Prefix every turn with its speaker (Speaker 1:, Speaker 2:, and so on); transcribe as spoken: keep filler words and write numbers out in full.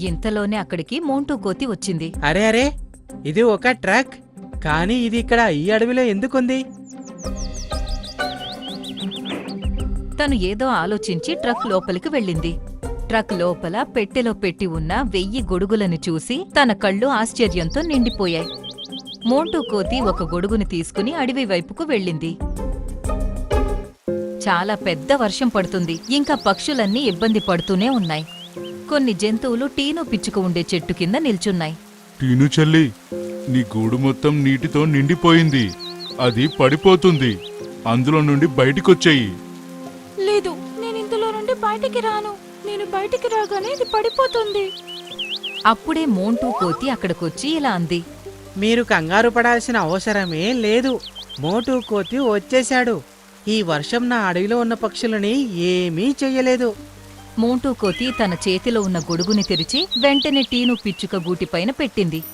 Speaker 1: ఇంతలోనే అక్కడికి మోంటూ కోతి వచ్చింది.
Speaker 2: అరే అరే, ఇది ఒక ట్రక్, కానీ ఇది ఇక్కడ ఈ అడవిలో ఎందుకుంది?
Speaker 1: తను ఏదో ఆలోచించి ట్రక్ లోపలికి వెళ్ళింది. ట్రక్ లోపల పెట్టెలో పెట్టి ఉన్న వెయ్యి గొడుగులను చూసి తన కళ్ళు ఆశ్చర్యంతో నిండిపోయాయి. మోంటూ కోతి ఒక గొడుగుని తీసుకుని అడవి వైపుకు వెళ్ళింది. చాలా పెద్ద వర్షం పడుతుంది. ఇంకా పక్షులన్నీ ఇబ్బంది పడుతూనే ఉన్నాయి. కొన్ని జంతువులు టీను పిచ్చుక ఉండే చెట్టు కింద నిల్చున్నాయి.
Speaker 3: టీను చెల్లి, నీ గూడు మొత్తం నీటితో నిండిపోయింది. అది పడిపోతుంది. అందులో నుండి బయటికొచ్చేయి.
Speaker 4: లేదు, నేను ఇందులో నుండి బయటికి రాను. నేను బయటికి రాగానే ఇది పడిపోతుంది.
Speaker 1: అప్పుడే మోంటూ కోతి అక్కడికొచ్చి ఇలా అంది.
Speaker 2: మీరు కంగారు పడాల్సిన అవసరమే లేదు. మోటూ కోతి వచ్చేశాడు. ఈ వర్షం నా అడవిలో ఉన్న పక్షులని ఏమీ చెయ్యలేదు.
Speaker 1: మోంటూ కోతి తన చేతిలో ఉన్న గొడుగుని తెరిచి వెంటనే టీను పిచ్చుక గూటిపైన పెట్టింది.